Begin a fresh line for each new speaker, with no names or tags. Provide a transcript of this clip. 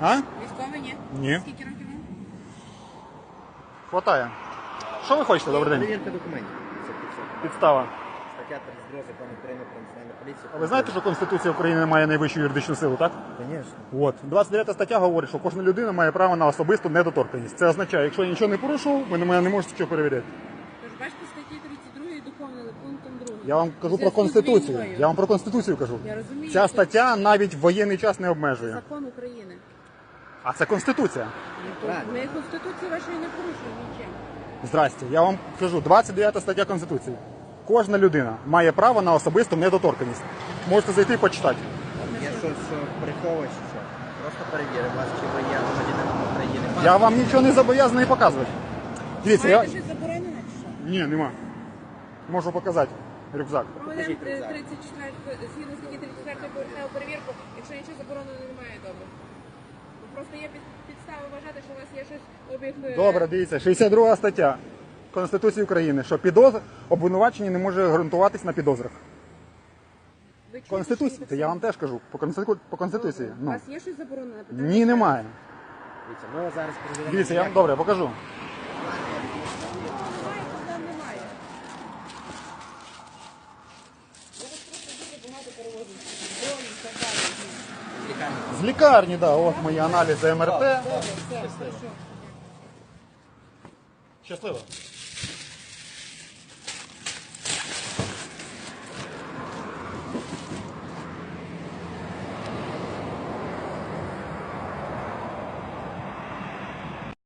А?
Військовий, ні?
Ні.
Скільки років вам?
Хватає. Що ви хочете? Добрий день.
Перевірка документів. Це все.
Підстава.
Стаття 32 закону України про національну поліцію.
А ви знаєте, що Конституція України не має найвищу юридичну силу, так?
Звісно.
От. 29 стаття говорить, що кожна людина має право на особисту недоторканність. Це означає, якщо я нічого не порушував, ви на мене не можете нічого перевіряти.
Тож бачите, статті 32 доповнили пунктом 2.
Я вам кажу про Конституцію. Я вам про Конституцію кажу.
Я розумію.
Ця стаття навіть в воєнний час не обмежує.
Закон України.
А це Конституція.
Ми Конституції вашої не порушуємо нічим.
Здрасте. Я вам кажу, 29 стаття Конституції. Кожна людина має право на особисту недоторканність. Можете зайти і почитати.
Є щось, що приховуєш, чи що? Просто перевірив вас, чи ви є громадянином України.
Я вам нічого не зобов'язаний показувати. Дивіться, я...
Маєте щось заборонене чи що?
Ні, нема. Можу показати рюкзак.
Проведемо 34, згідно статті 34 поверхневу перевірку, якщо нічого забороненого немає, добре. Просто є підстави вважати, що у вас є щось об'єкт...
Добре, дивіться, 62 стаття Конституції України, що обвинувачення не може ґрунтуватись на підозрах.
Ви чуєте,
Конституція,
що
це я вам теж кажу, по Конституції.
У
Ну.
вас є щось заборонене?
Ні, немає.
Дивіться, ми вас зараз перевіряємо.
Дивіться, я вам добре покажу.
Немає, проблем немає. Я вас просто дуже багато перевозив. Дрони, так далі.
З лікарні, да, от мої аналізи МРТ.
Добре, все, хорошо.
Щасливо.